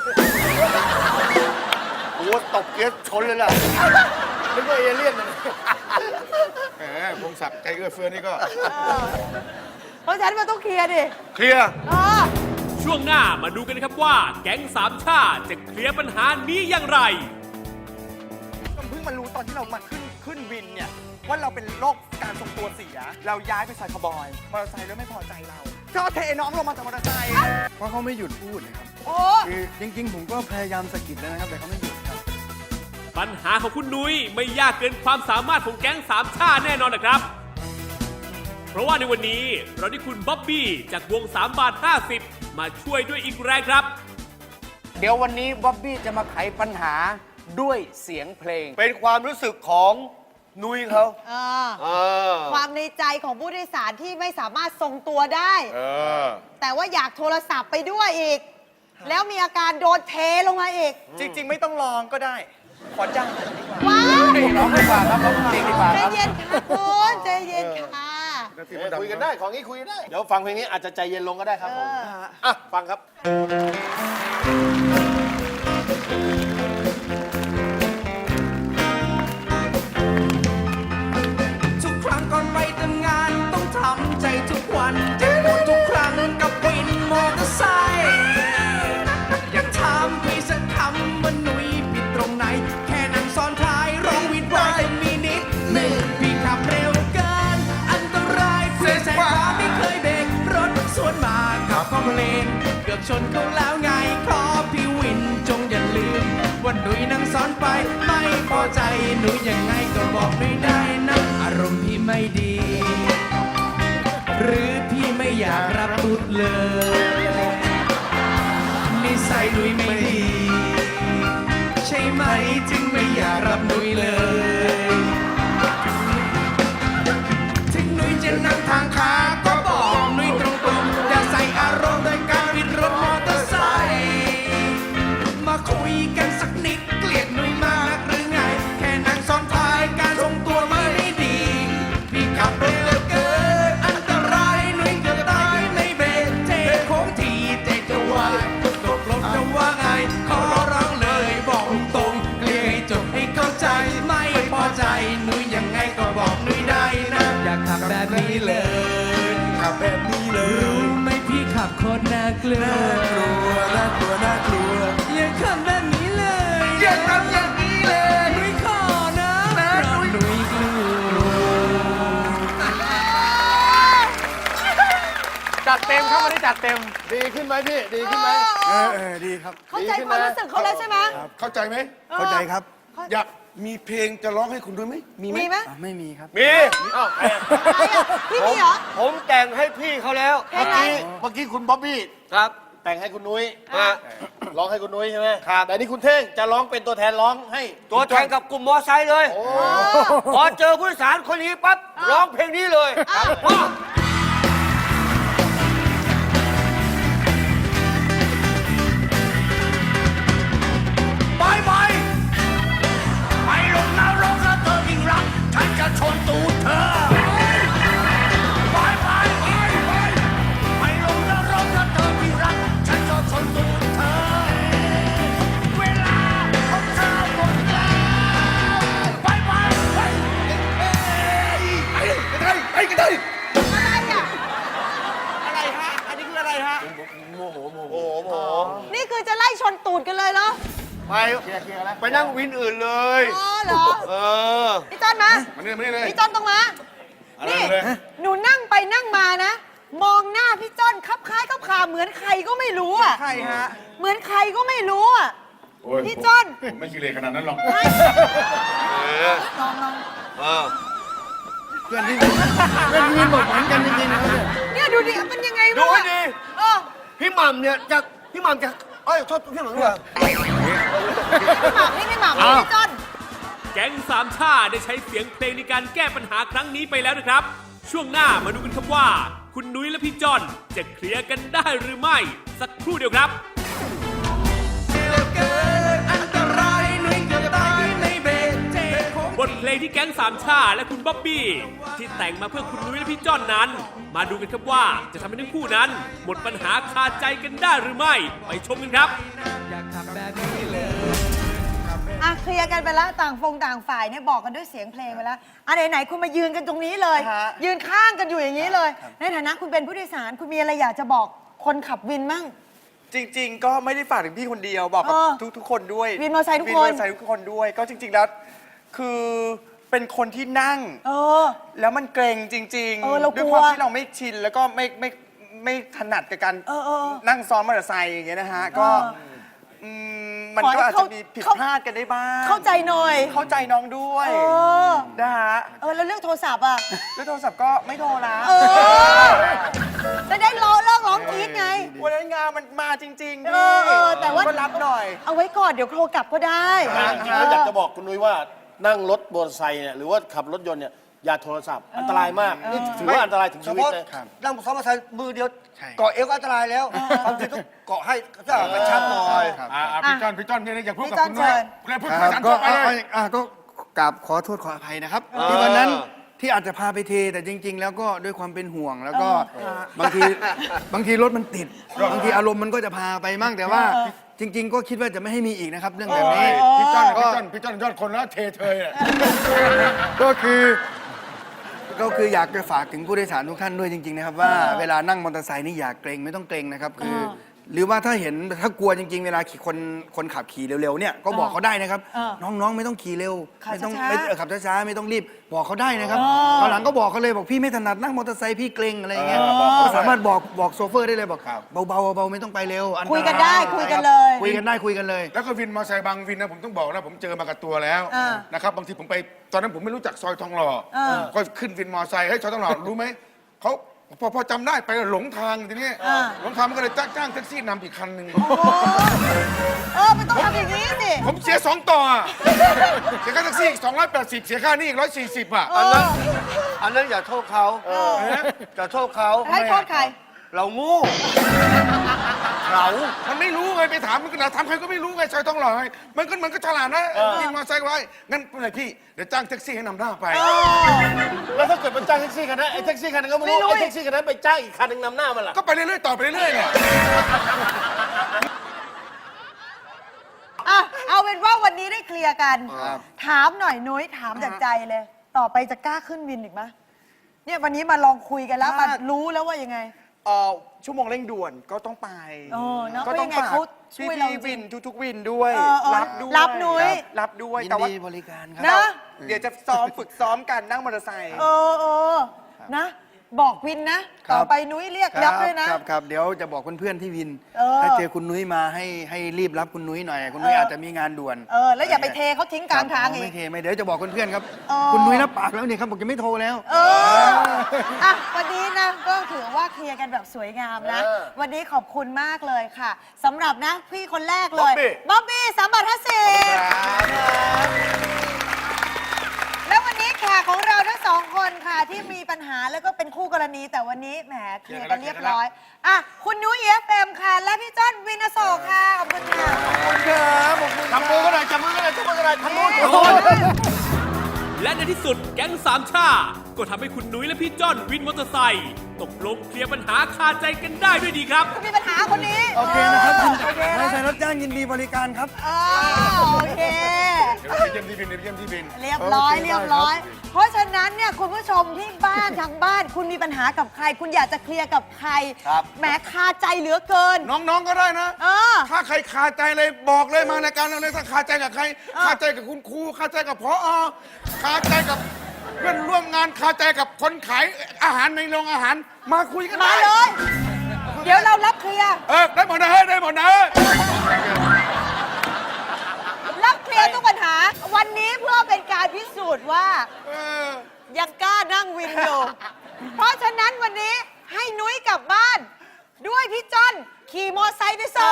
Speaker 6: โอ้ตบเกียร์ชนเลยล่ะ
Speaker 5: นึกว่าเอเลี่ยนนะแหมพงศักดิ์ใจเอื้อเฟื้อนี่ก็
Speaker 3: เพราะฉะนั้นมันต้องเคลียร์ดิ
Speaker 6: เคลียร์
Speaker 3: เออ
Speaker 1: ช่วงหน้ามาดูกันนะครับว่า แก๊งสามชาติจะเคลียร์ปัญหานี้อย่างไร
Speaker 2: เพิ่งมารู้ตอนที่เรามาขึ้นวินเนี่ย ว่าเราเป็นโรคการทรงตัวเสีย เราย้ายไปใส่คาวบอยมอเตอร์ไซค์แล้วไม่พอใจเราก็เทน้องลงมาจากมอเตอร์ไซค์
Speaker 7: เพราะเขาไม่หยุดพูดนะครับ
Speaker 3: โอ้
Speaker 7: คือจริงๆ ผมก็พยายามสะกิดแล้วนะครับแต่เขาไม่หยุดครับ
Speaker 1: ปัญหาของคุณนุ้ยไม่ยากเกินความสามารถของแก๊งสามชาติแน่นอนนะครับ เพราะว่าในวันนี้เราได้คุณบ๊อบบี้จากวง3 บาท 50 มาช่วยด้วยอีกแรงครับ
Speaker 4: เดี๋ยววันนี้บ๊อบบี้จะมาไขปัญหาด้วยเสียงเพลง
Speaker 6: เป็นความรู้สึกของนุ้ยเขา
Speaker 3: ความในใจของผู้โดยสารที่ไม่สามารถทรงตัวได้ แต่ว่าอยากโทรศัพท์ไปด้วยอีก แล้วมีอาการโดนเทลงมาอีก
Speaker 2: จริง ๆ ไม่ต้องลองก็ได้ ขอจ้างดีกว่า
Speaker 3: ว้าว
Speaker 4: ร้องดีกว่าครับร้องเพลงดีกว่า
Speaker 3: ใจ
Speaker 4: ครับ
Speaker 3: เย็นค่ะคุณใจเย็นค่ะ
Speaker 4: คุยกันได้ ของนี้คุยได้ เดี๋ยวฟังเพลงนี้อาจจะใจเย็นลงก็ได้ครับผมอ่ะฟังครับ
Speaker 13: ทุกครั้งก่อนไปทำงานต้องทำใจทุกวันเจ็บปวดทุกครั้งกับวินมอเตอร์ไซค์อยากถามพี่สักคำว่าหนุ่ยผิดตรงไหน แค่นั่งซ้อนท้ายร้องวิดไว้ชนเขาแล้วไงขอพี่วินจงอย่าลืมว่าหนุ่ยนั่งซ้อนไปไม่พอใจหนุ่ยยังไงก็บอกหนุ่ยได้นะอารมณ์พี่ไม่ดี หรือพี่ไม่อยากรับบุตรเลยนิสัยหนุ่ยไม่ดีใช่ไหมจึงไม่อยากรับหนุ่ยเลยถึงหนุ่ยจะนั่งทางขาก็บอกหนุ่ยตรงๆอย่าใส่อารมณ์โดยการบิดรถมอเตอร์ไซค์มาคุยกันสักนิดเกลียดหนุ่ยมากหรือไงแค่นั่งซ้อนท้ายการทรงตัวไม่ดีพี่ขับเร็วเกินอันตรายหนุ่ยเกือบตายในเบรกเทโค้งทีใจจะวายตกลงจะว่าไงขอร้องเลยบอกตรงเกลียให้จบให้เข้าใจไม่พอใจหนุ่ยยังไงก็บอกหนุ่ยได้นะอย่าขับแบบนี้เลยขับแบบนี้เลยรู้ไหมพี่ขับโคตรน่ากลัวน่ากลัวน่ากลัวอย่าขับแบบนี้เลยอย่าทำอย่างนี้เลยหนุ่ยขอนะเพราะหนุ่ยกลัว
Speaker 5: จัดเต็มครับวันนี้จัดเต็ม
Speaker 4: ดีขึ้นไหมพี่ ดีขึ้นไหม
Speaker 5: ดีครับ
Speaker 3: เข้าใจความรู้สึกเขาแล้วใช่ไหม
Speaker 5: เข้าใจไหม
Speaker 3: เข้าใจครับ
Speaker 5: อยากมีเพลงจะร้องให้คุณด้วยไหมมีไหม
Speaker 3: มีไหม
Speaker 5: ไม่มีครับ
Speaker 6: มี
Speaker 3: อะไรอ่ะพี่มีเหรอ
Speaker 6: ผมแต่งให้พี่เขาแล้ว
Speaker 3: เพลงอะไร
Speaker 4: เมื่อกี้คุณบ๊อบบี้
Speaker 6: ครับ
Speaker 4: แต่งให้คุณนุ้ย
Speaker 6: อ่ะ
Speaker 4: ร้องให้คุณนุ้ยใช่ไหม
Speaker 6: ครับ
Speaker 4: แต่นี่คุณเท่งจะร้องเป็นตัวแทนร้องให้
Speaker 6: ตัวแทนกับกลุ่มมอไซค์เลย พอเจอผู้โดยสารคนนี้ปั๊บร้องเพลงนี้เลยอ้าว
Speaker 13: ไปไปไปลงนรกแล้วเธอยิ่งรักฉันจะชนตูดเธอไปไปไปไปไปลงนรกแล้วเธอยิ่งรักฉันจะชนตูดเธอเวลาของเธอหมดแล้วไปไปไป
Speaker 5: ไปกันเลย
Speaker 3: อะไรอ่ะ
Speaker 2: อะไรฮะ อันนี้คืออะไรฮะ
Speaker 6: โอ้โห
Speaker 3: นี่คือจะไล่ชนตูดกันเลยเหรอ
Speaker 6: ไปไปนั่งวินอื่นเลย
Speaker 3: อ๋อเหรอ
Speaker 6: เออ
Speaker 3: พี่จอนมา
Speaker 5: มานี่เลย
Speaker 3: พี่จอนต้องมา นี่
Speaker 5: เลย
Speaker 3: หนูนั่งไปนั่งมานะ มองหน้าพี่จอนคับคล้ายคับคาเหมือนใครก็ไม่รู้อ่ะ
Speaker 2: ใครฮะ
Speaker 3: เหมือนใครก็ไม่รู้อ่ะ
Speaker 5: โอ้ย
Speaker 3: พี่จอน
Speaker 5: ผมไม่ขี้เหร่ขนาดนั้นหรอก
Speaker 3: ลองลอง
Speaker 6: เออ
Speaker 2: เพื่อนที่วินบอกเหมือนกันจริงๆนะ
Speaker 3: เนี่ยดูดิมันยังไง
Speaker 6: ดู
Speaker 3: วะ
Speaker 6: ให้ดี
Speaker 3: เออ
Speaker 6: พี่หม่ำเนี่ยพี่หม่ำจะเอ้ยโทษพี่หม่ำด้วย
Speaker 3: พี่หมากนี่พี่หมากนี่พี่จอน
Speaker 1: แก๊งสามชาได้ใช้เสียงเพลงในการแก้ปัญหาครั้งนี้ไปแล้วนะครับ ช่วงหน้ามาดูกันครับว่า คุณนุ้ยและพี่จอนจะเคลียร์กันได้หรือไม่ สักครู่เดียวครับ
Speaker 13: อันตรายหนุ่ยเกือบตายในเบรกเทโค้ง
Speaker 1: บทเพลงที่แก๊งสามชาและคุณบ๊อบบี้ที่แต่งมาเพื่อคุณนุ้ยและพี่จอนนั้น มาดูกันครับว่าจะทำให้ทั้งคู่นั้น หมดปัญหาคาใจกันได้หรือไม่ ไปชมกันครับ
Speaker 13: อยากขับแบบนี้เลย
Speaker 3: อ่ะเคลียร์กันไปแล้วต่างฝ่ายเนี่ยบอกกันด้วยเสียงเพลงไปแล้วอ่ะไหนๆคุณมายืนกันตรงนี้เลย
Speaker 2: ฮะ
Speaker 3: ยืนข้างกันอยู่อย่างนี้เลย ในฐานะคุณเป็นผู้โดยสารคุณมีอะไรอยากจะบอกคนขับวินมั่ง
Speaker 2: จริง ๆ ก็ไม่ได้ฝากถึงพี่คนเดียว บอกกับ
Speaker 3: เออ
Speaker 2: ทุกคนด้วย
Speaker 3: วินมอเตอร์ไซค์ทุกคน
Speaker 2: วินมอเตอร์ไซค์ทุกคนด้วย ก็จริง ๆ แล้ว คือเป็นคนที่นั่ง
Speaker 3: เออ
Speaker 2: แล้วมันเกรงจริง
Speaker 3: เออเรากลัว
Speaker 2: ด้วยความที่เราไม่ชิน แล้วก็ไม่ถนัดกับการ
Speaker 3: เออ
Speaker 2: นั่งซ้อนมอเตอร์ไซค์อย่างเงี้ยนะฮะ ก็ มัน
Speaker 3: ขอให้
Speaker 2: ก็อาจ
Speaker 3: เข้า
Speaker 2: จะมีผิดพลาดกันได้บ้าง
Speaker 3: เข้าใจหน่อย
Speaker 2: เข้าใจน้องด้วย
Speaker 3: เออ
Speaker 2: นะฮะ
Speaker 3: แล้วเรื่องโทรศัพท์อ่ะ
Speaker 2: แล้วโทรศัพท์ก็ไม่โทรละ
Speaker 3: เออจะได้เลิกร้องกรี๊ดไง
Speaker 2: วันนั้นงานมันมาจริงๆ
Speaker 3: เออแต่ว่า
Speaker 2: ก็รับหน่อย
Speaker 3: เอาไว้ก่อนเดี๋ยวโทรกลับก็ได้
Speaker 4: จริงๆแล้วอยากจะบอกคุณนุ้ยว่านั่งรถมอเตอร์ไซค์เนี่ยหรือว่าขับรถยนต์เนี่ยอย่าโทรศัพท์อันตรายมากนี่ถือว่าอันตรายถึง
Speaker 6: เฉ
Speaker 4: ชีวิต
Speaker 6: พาะ
Speaker 4: เลย
Speaker 6: นั่งซ้อนมอเตอร์ไซค์มือเดียวเกาะเอวก็อันตรายแล้วบางทีต้องเกาะให้ก็กระชับหน่อย
Speaker 5: พี่จอนเนี่ยอยากพูดกับ
Speaker 3: พี่จอน
Speaker 5: คุณนุ้ย
Speaker 3: เชิญ
Speaker 5: แล้วพูดภาษาทั่วไปเลย
Speaker 2: ก็กราบขอโทษขออภัยนะครับ
Speaker 6: เออ
Speaker 2: ที่วันนั้นที่อาจจะพาไปเทแต่จริง ๆ แล้วก็ด้วยความเป็นห่วงแล้วก็บางทีรถมันติดบางทีอารมณ์มันก็จะพาไปมั่งแต่ว่า จริง ๆ ก็คิดว่าจะไม่ให้มีอีกนะครับ เรื่องแบบนี้
Speaker 5: พี่จอนยอดคนแล้วเทเทยอ่ะ
Speaker 2: ก็คืออยากจะฝากถึงผู้โดยสารทุกท่านด้วยจริง ๆ นะครับ ว่าเวลานั่งมอเตอร์ไซค์นี่อย่าเกรงไม่ต้องเกรงนะครับ คือ
Speaker 5: หรือว่าถ้ากลัวจริงๆ เวลาคนขับขี่เร็วๆเนี่ยก็บอกเขาได้นะครับ น้องๆไม่ต้องขี่เร็ว
Speaker 3: ขับ
Speaker 5: ไม่ต้อง
Speaker 3: ช้าๆ
Speaker 5: ขับช้าๆไม่ต้องรีบบอกเขาได้นะครับตอนหลังก็บอกเขาเลยบอกพี่ไม่ถนัดนั่งมอเตอร์ไซค์พี่เกรงอะไรอย่างเงี้ยก็สามารถบอกโซเฟอร์ได้เลยบอกเบาๆไม่ต้องไปเร็วอันตราย
Speaker 3: คุยกันได้คุยกันเลย
Speaker 5: คุยกันเลยแล้วก็วินมอเตอร์ไซค์บางวินนะผมต้องบอกนะผมเจอมากับตัวแล้วนะครับบางทีผมไปตอนนั้นผมไม่รู้จักซอยทองหล่อก็ขึ้นวินมอเตอร์ไซค์ให้ซอยทองหล่อรู้ไหมเขาพอจำได้ไปหลงทางทีนี้หลงทางมันก็เลยจ้างแท็กซี่นำอีกคันหนึ่ง
Speaker 3: มันต้องทำอย่างนี้สิ
Speaker 5: ผมเสีย2 ต่ออะเสียค่าแท็กซี่อีก280เสียค่านี่อีก140อ่ะ
Speaker 6: อันนั้นอย่าโทษเขาอย่าโทษเขา
Speaker 3: ให้โทษใคร
Speaker 6: เราโง่
Speaker 5: มันไม่รู้ไงไปถามมันก็ถามใครก็ไม่รู้ไงซอยทองหล่อไงมันก็ฉลาดนะวินมอเตอร์ไซค์ไว้งั้นเป็นไรพี่เดี๋ยวจ้างแท็กซี่ให้นำหน้าไป
Speaker 4: แล้วถ้าเกิดมันจ้างแท็กซี่คันนั้นไอ้แท็กซี่คันนั้นก็ไม่รู้ไอ้แท็กซี่คันนั้นไปจ้างอีกคันหนึงนำหน้ามันล่ะ
Speaker 5: ก็ไปเรื่อยๆต่อไปเรื่อยๆเนี่ย
Speaker 3: เอาเป็นว่าวันนี้ได้เคลียร์กัน ถามหน่อยนุ้ยถามจากใจเลย ต่อไปจะกล้าขึ้นวินอีกไหมเนี่ยวันนี้มาลองคุยกันแล้วมารู้แล้วว่ายังไง
Speaker 2: ชั่วโมงเร่งด่วนก็ต้องไป
Speaker 3: เนอะ
Speaker 2: ก็ต้อง
Speaker 3: เพราะยังไง
Speaker 2: ฝาก
Speaker 3: เขาช่วยเราจริง
Speaker 2: วินทุกๆวินด้วย รับด้วย
Speaker 3: รับนุ้ย
Speaker 2: รับด้วย
Speaker 5: ยิน
Speaker 2: แต่ว่า
Speaker 5: ดีบริการครับ
Speaker 3: นะ
Speaker 2: เดี๋ยวจะฝึกซ้อมกันนั่งมอเตอร์ไซค์
Speaker 3: นะ บอกวินนะ ต่อไปนุ้ยเรียกรับด้วยนะ
Speaker 5: ครับเดี๋ยวจะบอกเพื่อนๆที่วิน
Speaker 3: เออ
Speaker 5: ถ้าเจอคุณนุ้ยมาให้รีบรับคุณนุ้ยหน่อยคุณนุ้ยอาจจะมีงานด่วน
Speaker 3: แล้วอย่าไปเทเขาทิ้งกลางทาง
Speaker 5: ครับ
Speaker 3: อี
Speaker 5: ไม่
Speaker 3: ก
Speaker 5: เทไม่เดี๋ยวจะบอกเพื่อนๆครับ
Speaker 3: เออ
Speaker 5: คุณนุ้ยรับปากแล้วเนี่ยครับบอกจะไม่โทรแล้ว
Speaker 3: วันนี้นะก็ถือว่าเคลียร์กันแบบสวยงามนะ วันนี้ขอบคุณมากเลยค่ะสำหรับนะพี่คนแรกเลยบ๊อบบี้350แล้ววันนี้แขกของเราทั้ง2 คนค่ะที่มีปัญหาแล้วก็เป็นคู่กรณีแต่วันนี้แหมเคลียร์กันเรียบร้อยคุณนุ้ย EFM ค่ะและพี่จ้อนวินอโศกค่ะขอบคุณค่ะ
Speaker 4: ทำมือก็ได้จับมือก็ได้จับมือก็ได้ทำมือ
Speaker 1: และในที่สุดแก๊งสามชาก็ทำให้คุณนุ้ยและพี่จ้อนวินมอเตอร์ไซค์ตกลงเคลียร์ปัญหาคาใจกันได้ด้วยดีครับ
Speaker 3: คุณมีปัญหาคนนี้
Speaker 5: โอเคนะครับ
Speaker 3: โอเค
Speaker 5: ไม่
Speaker 3: นะ
Speaker 5: ใช่รถจ้างยินดีบริการครับ
Speaker 3: โอเค
Speaker 5: เดี๋ยวไปเยี่ยมที่บิน
Speaker 3: เรียบร้อย เพราะฉะนั้นเนี่ยคุณผู้ชมที่บ้านทางบ้านคุณมีปัญหากับใคร คุณอยากจะเคลียร์กับใครแหมคาใจเหลือเกิน
Speaker 5: น้องๆก็ได้นะ ถ้าใครคาใจเลยบอกเลยมารายการเราเลยถ้าคาใจกับใคร คาใจกับคุณครูคาใจกับผอคาใจกับเพื่อนร่วมงานคาใจกับคนขายอาหารในโรงอาหารมาคุยกัน
Speaker 3: มา
Speaker 5: ได้
Speaker 3: เลย เดี๋ยวเรารับเคลียร์
Speaker 5: ได้หมดนะได้หมดนะ
Speaker 3: รับเคลียร์ทุกปัญหา วันนี้เพื่อเป็นการพิสูจน์ว่ายังกล้านั่งวินอยู่ เพราะฉะนั้นวันนี้ให้นุ้ยกลับบ้าน ด้วยพี่จ้อนขี่มอไซค์ไปส่ง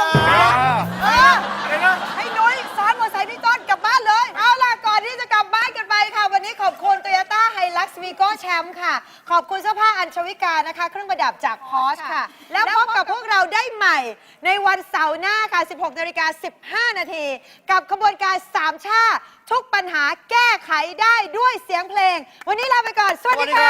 Speaker 3: ให้นุ้ยซ้อนมอไซค์พี่จ้อนกลับบ้านเลย เอาล่ะก่อนที่จะกลับบ้านกันไปค่ะ วันนี้ขอบคุณ Toyota Hilux Vigo Champ ค่ะ ขอบคุณเสื้อผ้าอัญชวิกานะคะ เครื่องประดับจาก Porsche ค่ะ แล้วพบกับพวกเราได้ใหม่ ในวันเสาร์หน้าค่ะ 16:15 นาทีกับขบวนการสามชาทุกปัญหาแก้ไขได้ด้วยเสียงเพลง วันนี้ลาไปก่อน สวัสดีค่ะ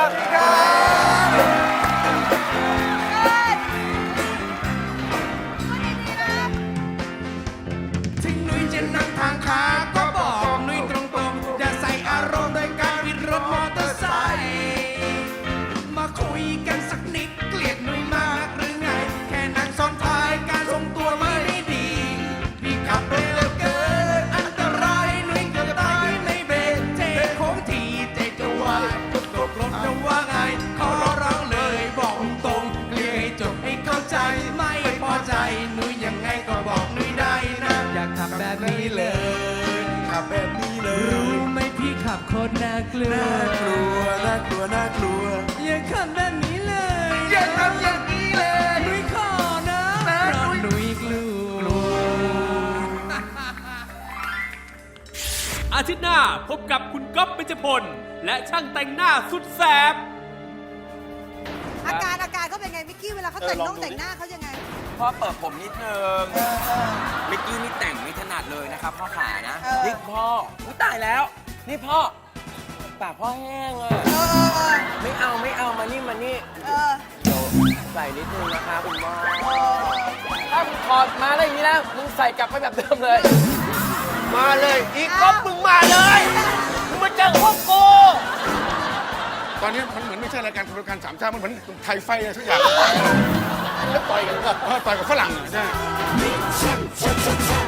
Speaker 13: ถึงนุ้ยจะนั่งทางขาก็บอกนุ้ยตรงๆอย่าใส่อารมณ์โดยการบิดรถมอเตอร์ไซค์มาคุยกันสักนิดเกลียดนุ้ยมากหรือไง แค่นั่งซ้อนท้ายการทรงตัวไม่ดี พี่ขับเร็วเกินอันตรายนุ้ยเกือบตายไม่เบรกเจ๊โค้งทีเจ๊จะว่าตกรถจะว่าไงขอร้องเลยบอกตรงเคลียร์ให้จบให้เข้าใจไม่พอใจนุ้ยยังไงก็บอกนุ้ยได้นะ อยากขับแบบนี้เลย ขับแบบนี้เลย รู้ไหมพี่ขับโคตรน่ากลัว น่ากลัว น่ากลัว น่ากลัว อย่าขับแบบนี้เลย อย่าทำอย่างนี้เลย นุ้ยขอนะเพราะนุ้ยกลัว
Speaker 1: อาทิตย์หน้าพบกับคุณก๊อฟเบญจพลและช่างแต่งหน้าสุดแสบ
Speaker 3: อาการเขาเป็นไงมิกกี้เวลาเขาแต่งหน้าเขายังไง
Speaker 14: พ่อเปิดผมนิดนึงมิกกี้นี่แต่งไม่ถนัดเลยนะครับพ่อขานะนี่พ่ออุ๊ยตายแล้ว นี่พ่อปากพ่อแห้งอ่ะไม่เอามานี่เดี๋ยวใส่นิดนึงนะคะคุณพ่อถ้ามึงถอดมาอะไรอย่างนี้แล้วมึงใส่กลับไปแบบเดิมเลย
Speaker 4: มาเลยอีกก๊อฟมึงมาเลยมึงมาเจอพวกกู
Speaker 5: ตอนนี้มันเหมือนไม่ใช่รายการขบวนการสามชาติมันเหมือนไทยไฟอะไรสักอย่างต่อยกับฝรั่งใช่